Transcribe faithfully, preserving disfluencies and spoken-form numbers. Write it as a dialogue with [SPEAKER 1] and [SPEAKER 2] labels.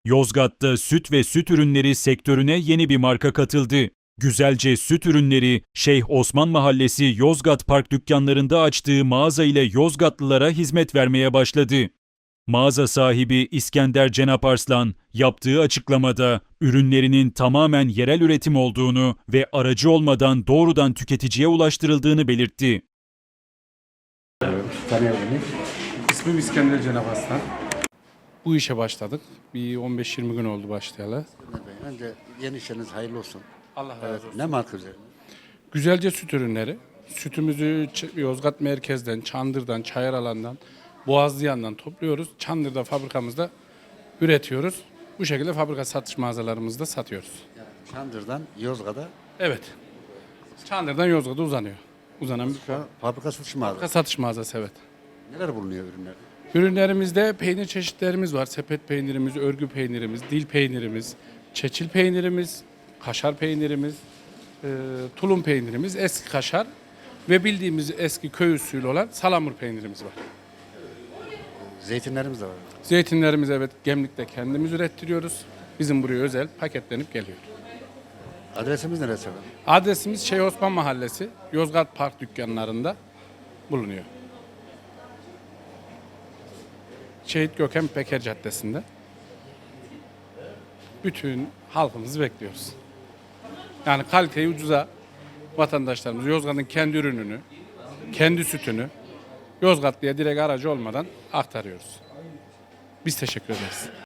[SPEAKER 1] Yozgat'ta süt ve süt ürünleri sektörüne yeni bir marka katıldı. Güzelce Süt Ürünleri, Şeyh Osman Mahallesi Yozgat Park dükkanlarında açtığı mağaza ile Yozgatlılara hizmet vermeye başladı. Mağaza sahibi İskender Cenap Arslan yaptığı açıklamada ürünlerinin tamamen yerel üretim olduğunu ve aracı olmadan doğrudan tüketiciye ulaştırıldığını belirtti.
[SPEAKER 2] Tanıyabilir miyim?
[SPEAKER 3] İsmim İskender Cenap Arslan.
[SPEAKER 2] Bu işe başladık. Bir on beş yirmi gün oldu başlayalı.
[SPEAKER 4] Önce yeni işiniz hayırlı olsun.
[SPEAKER 2] Allah razı
[SPEAKER 4] Evet,
[SPEAKER 2] olsun.
[SPEAKER 4] ne marka üzerine?
[SPEAKER 2] Güzelce süt ürünleri. Sütümüzü Ç- Yozgat merkezden, Çandır'dan, Çayıralan'dan, Boğazlıyan'dan topluyoruz. Çandır'da fabrikamızda üretiyoruz. Bu şekilde fabrika satış mağazalarımızda satıyoruz.
[SPEAKER 4] Çandır'dan Yozgat'a
[SPEAKER 2] Evet. Çandır'dan Yozgat'a uzanıyor. Uzanan bir
[SPEAKER 4] şu an fabrika satış mağazası.
[SPEAKER 2] fabrika satış mağazası, evet.
[SPEAKER 4] Neler bulunuyor ürünler?
[SPEAKER 2] Ürünlerimizde peynir çeşitlerimiz var. Sepet peynirimiz, örgü peynirimiz, dil peynirimiz, çeçil peynirimiz, kaşar peynirimiz, e, tulum peynirimiz, eski kaşar ve bildiğimiz eski köy usulü olan salamur peynirimiz var.
[SPEAKER 4] Zeytinlerimiz de var.
[SPEAKER 2] Zeytinlerimiz, evet, Gemlik'te kendimiz ürettiriyoruz. Bizim buraya özel paketlenip geliyor.
[SPEAKER 4] Adresimiz neresi efendim?
[SPEAKER 2] Adresimiz Şeyh Osman Mahallesi, Yozgat Park dükkanlarında bulunuyor. Şehit Gökhan Peker Caddesi'nde. Bütün halkımızı bekliyoruz. Yani kaliteyi ucuza vatandaşlarımız Yozgat'ın kendi ürününü, kendi sütünü Yozgatlı'ya direkt aracı olmadan aktarıyoruz. Biz teşekkür ederiz.